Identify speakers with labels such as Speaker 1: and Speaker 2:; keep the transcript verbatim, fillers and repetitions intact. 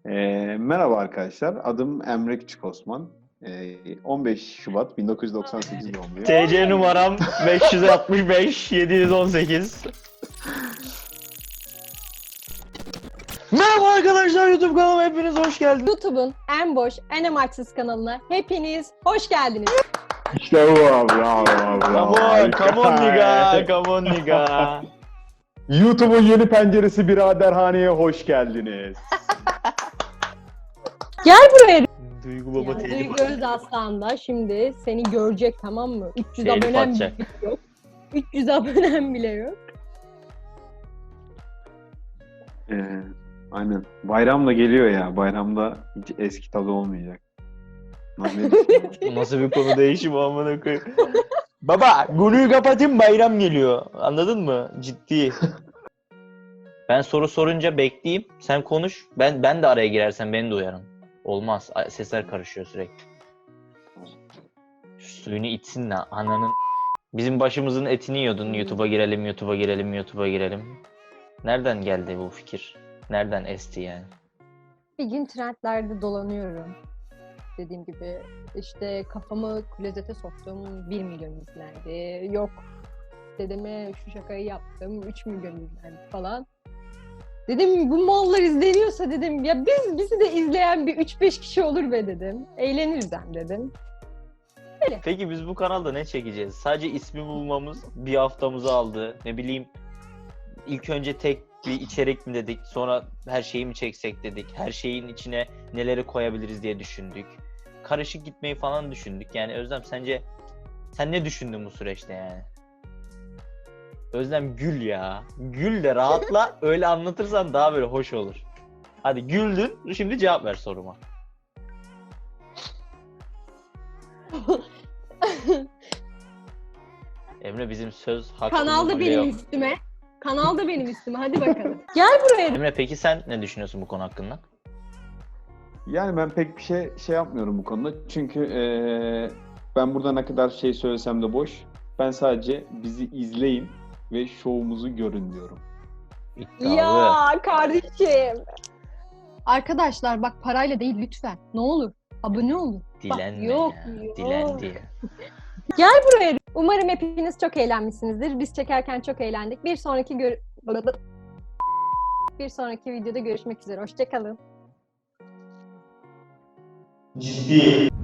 Speaker 1: Ee, merhaba arkadaşlar, adım Emre Küçük Osman. Ee, on beş Şubat bin dokuz yüz doksan sekiz doğumluyum.
Speaker 2: T C numaram beş yüz altmış beş yedi yüz on sekiz. Merhaba arkadaşlar, YouTube kanalıma hepiniz hoş geldiniz.
Speaker 3: YouTube'un en boş, en amaçsız kanalına hepiniz hoş geldiniz.
Speaker 1: İşte bu abi, bravo, bravo.
Speaker 2: Come on,
Speaker 1: harika.
Speaker 2: come on nigga, come on nigga.
Speaker 1: YouTube'un yeni penceresi biraderhaneye hoş geldiniz.
Speaker 3: Gel buraya.
Speaker 2: Duygu baba
Speaker 3: Yani
Speaker 2: telif
Speaker 3: Duygu Özaslan da şimdi seni görecek, tamam mı? üç yüz
Speaker 2: Telif
Speaker 3: abonem
Speaker 2: atacak.
Speaker 3: bile yok. üç yüz abonem bile yok.
Speaker 1: Ee, aynen. Bayram da geliyor ya. Bayramda hiç eski tadı olmayacak. Nasıl ne düşünüyorsun?
Speaker 2: Nasıl bir konu değişimi amına koyayım. Baba, konuyu kapatayım, bayram geliyor. Anladın mı? Ciddi. Ben soru sorunca bekleyeyim, sen konuş. Ben ben de araya girersem beni de uyarın. Olmaz. Sesler karışıyor sürekli. Şu suyunu içsin lan ananın. Bizim başımızın etini yiyordun. YouTube'a girelim, YouTube'a girelim, YouTube'a girelim. Nereden geldi bu fikir? Nereden esti yani?
Speaker 3: Bir gün trendlerde dolanıyorum. Dediğim gibi işte kafamı klozete soktum, bir milyon izlendi. Yok dedeme şu şakayı yaptım, üç milyon izlendi falan. Dedim bu mallar izleniyorsa dedim ya biz bizi de izleyen bir üç beş kişi olur be dedim. Eğleniriz hem dedim. Öyle.
Speaker 2: Peki biz bu kanalda ne çekeceğiz? Sadece ismi bulmamız bir haftamızı aldı. Ne bileyim, ilk önce tek bir içerik mi dedik, sonra her şeyi mi çeksek dedik. Her şeyin içine neleri koyabiliriz diye düşündük. Karışık gitmeyi falan düşündük. Yani Özlem, sence sen ne düşündün bu süreçte yani? Özlem gül ya. Gül de rahatla, öyle anlatırsan daha böyle hoş olur. Hadi güldün, şimdi cevap ver soruma. Emre bizim söz hakkımız
Speaker 3: Kanalda
Speaker 2: bile
Speaker 3: benim
Speaker 2: yok.
Speaker 3: üstüme. Kanalda benim üstüme. Hadi bakalım. Gel buraya.
Speaker 2: Emre peki sen ne düşünüyorsun bu konu hakkında?
Speaker 1: Yani ben pek bir şey şey yapmıyorum bu konuda. Çünkü eee, ben burada ne kadar şey söylesem de boş. Ben sadece bizi izleyin ve şovumuzu görün diyorum.
Speaker 2: İddialı.
Speaker 3: Ya kardeşim. Arkadaşlar bak parayla değil lütfen. Ne olur. Abone olun.
Speaker 2: Dilenme
Speaker 3: yok,
Speaker 2: ya.
Speaker 3: yok.
Speaker 2: Dilendi ya.
Speaker 3: Gel buraya. Umarım hepiniz çok eğlenmişsinizdir. Biz çekerken çok eğlendik. Bir sonraki gör... Bir sonraki videoda görüşmek üzere. Hoşça kalın.
Speaker 2: Ciddi.